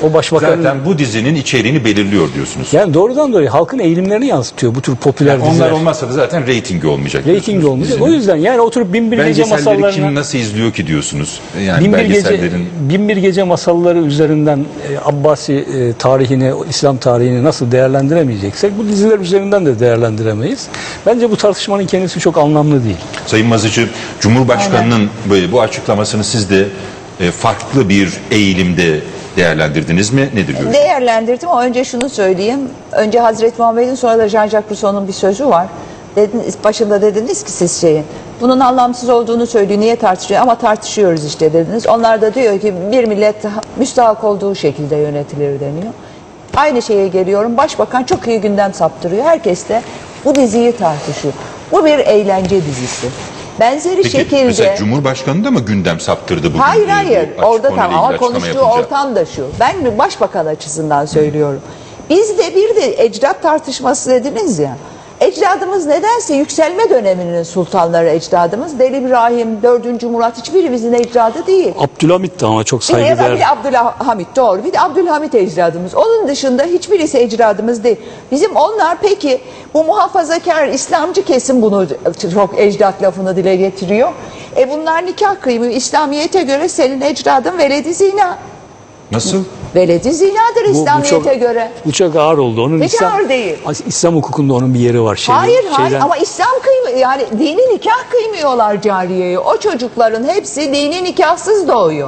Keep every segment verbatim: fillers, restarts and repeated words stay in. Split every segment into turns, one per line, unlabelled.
O başbakanın...
Zaten bu dizinin içeriğini belirliyor diyorsunuz.
Yani doğrudan doğruya halkın eğilimlerini yansıtıyor bu tür popüler
Yani
diziler.
onlar olmazsa da zaten reytingi olmayacak.
Reytingi olmayacak. O yüzden yani oturup bin bir gece
Belgeselleri
masallarına...
kim nasıl izliyor ki diyorsunuz? Yani
bin bir gece,
belgesellerin...
bin bir gece masalları üzerinden e, Abbasi e, tarihini, İslam tarihini nasıl değerlendiremeyeceksek bu diziler üzerinden de değerlendiremeyiz. Bence bu tartışmanın kendisi çok anlamlı değil.
Sayın Mazıcı, Cumhurbaşkanı'nın böyle bu açıklamasını siz de e, farklı bir eğilimde değerlendirdiniz mi? Nedir görüşünüz?
Değerlendirdim ama önce şunu söyleyeyim. Önce Hazreti Muhammed'in, sonra da Jean-Jacques Rousseau'nun bir sözü var. Dediniz, başında dediniz ki siz şeyin, bunun anlamsız olduğunu söylüyor, niye tartışıyor? Ama tartışıyoruz işte dediniz. Onlar da diyor ki bir millet müstahak olduğu şekilde yönetilir deniyor. Aynı şeye geliyorum. Başbakan çok iyi gündem saptırıyor. Herkes de bu diziyi tartışıyor. Bu bir eğlence dizisi. Benzeri
Peki,
şekilde...
mesela Cumhurbaşkanı da mı gündem saptırdı bugün?
Hayır hayır.
Bu
Orada
konuyla
tamam ama
ilgili açıklama
konuştuğu
yapınca?
ortam da şu. Ben bir başbakan açısından söylüyorum. Bizde bir de ecdat tartışması dediniz ya. Ecdadımız nedense yükselme döneminin sultanları ecdadımız. Deli İbrahim, dördüncü Murat hiçbirimizin ecdadı değil.
Abdülhamit de ama çok
Bir de
saygıdeğer.
bir de Abdülhamit doğru. Bir de Abdülhamit ecdadımız. Onun dışında hiçbirisi ecdadımız değil. Bizim onlar peki bu muhafazakar İslamcı kesim bunu çok ecdat lafını dile getiriyor. E bunlar nikah kıymıyor. İslamiyete göre senin ecdadın veledi zina.
Nasıl?
Veledi zinadır
Bu- bu
İslamiyete
çok-
göre.
Bu çok ağır oldu. Onun
Hiç
İslam,
ağır değil.
İslam hukukunda onun bir yeri var. Şeyde,
Hayır hayır
şeyden-
ama İslam kıymıyor. Yani dini nikah kıymıyorlar cariyeye. O çocukların hepsi dini nikahsız doğuyor.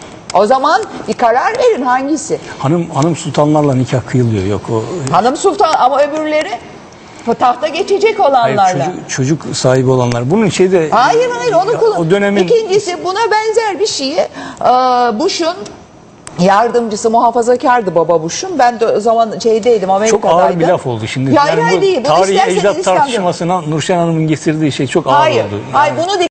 O zaman bir karar verin hangisi?
Hanım hanım sultanlarla nikah kıyılıyor. Yok o.
Hanım sultan ama öbürleri tahta geçecek
Hayır,
olanlarla.
çocuk, çocuk sahibi olanlar. Bunun şeyde
Hayır hayır onu kullan.
o dönemin
İkincisi buna benzer bir şeyi e, Bush'un yardımcısı muhafazakardı baba Bush'un. Ben de o zaman şeydeydim Amerika'daydım.
çok ağır bir laf oldu şimdi.
Ya hayır,
Yani
hayır
bu
değil. Bunu
tarihi
isterseniz
ecdat
İslam'da-
tartışmasına Nurşen Hanım'ın getirdiği şey çok ağır
Hayır.
oldu.
Hayır bunu